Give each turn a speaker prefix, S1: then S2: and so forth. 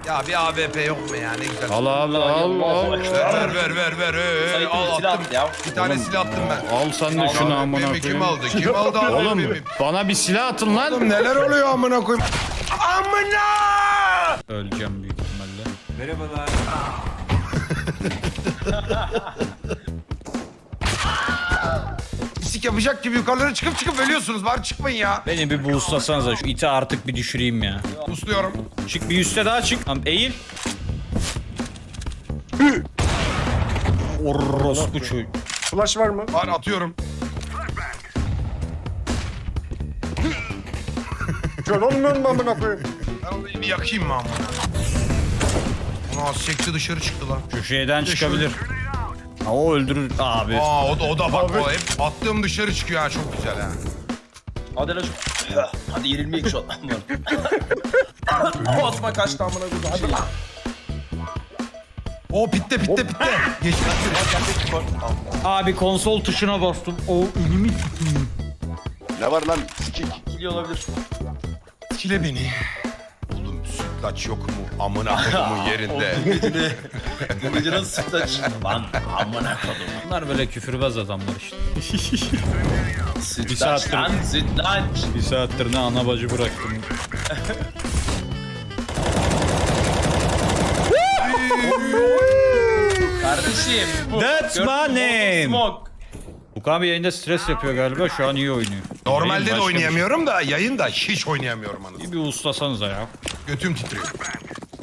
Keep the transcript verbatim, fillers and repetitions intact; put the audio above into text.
S1: Ya bir A W P yok mu ya ne güzel.
S2: Al abi al al.
S1: Ver ver ver ver. Ee,
S3: Sayın
S1: al
S3: silah
S1: attım.
S3: at ya.
S1: Bir tane silah attım ben.
S2: Al sen de şunu amına
S1: A W P'mi kim
S2: koyayım.
S1: aldı? Kim aldı A W
S2: Oğlum
S1: P'mi?
S2: bana bir silah atın lan.
S1: Oğlum neler oluyor amına koyayım? Amına!
S2: Öleceğim büyük ihtimalle.
S4: Merhabalar.
S1: Pislik yapacak gibi yukarılara çıkıp çıkıp ölüyorsunuz. Bari çıkmayın ya.
S2: Beni bir boostlasanıza şu iti artık bir düşüreyim ya.
S1: Usluyorum.
S2: Çık bir üste daha çık. Tamam eğil. Orospu çocuğu.
S5: Flash var mı?
S1: Var atıyorum.
S5: Kör olmuyor mu amına koyayım?
S1: Ben onu bir yakayım mı amına? Ona az çekti dışarı çıktı lan.
S2: Şu şeyden çıkabilir. Ha, o öldürür abi.
S1: Aa o da o da bak o hep attığım dışarı çıkıyor ha çok güzel ha.
S3: Hadi lan şu. Hadi yenilmeyek şu an. Osman kaçtı amına koyayım. Hadi lan.
S1: O pitte pitte pitte. Geçti.
S2: Abi konsol tuşuna bastım. O elimi tutayım.
S6: Ne var lan? Sikik.
S3: Kili olabilir.
S1: Kile beni. Oğlum sütlaç yok mu? Amına kodumun yerinde.
S3: Bu gece ne? Bu gece nasıl sütlaç? Lan amına kodum.
S2: Bunlar böyle küfürbaz adamlar işte.
S3: Sütlaç
S2: saattir-
S3: lan sütlaç.
S2: Bir saattir ne ana bacı bıraktım.
S3: Kardeşim.
S2: That's my name.
S3: Smoke.
S2: Bu abi yayında stres yapıyor galiba. Şu an iyi oynuyor.
S1: Normalde
S2: Başka
S1: de
S2: bir şey.
S1: oynayamıyorum da yayında hiç oynayamıyorum anasını.
S2: Bir ustasanıza ya.
S1: Götüm titriyor.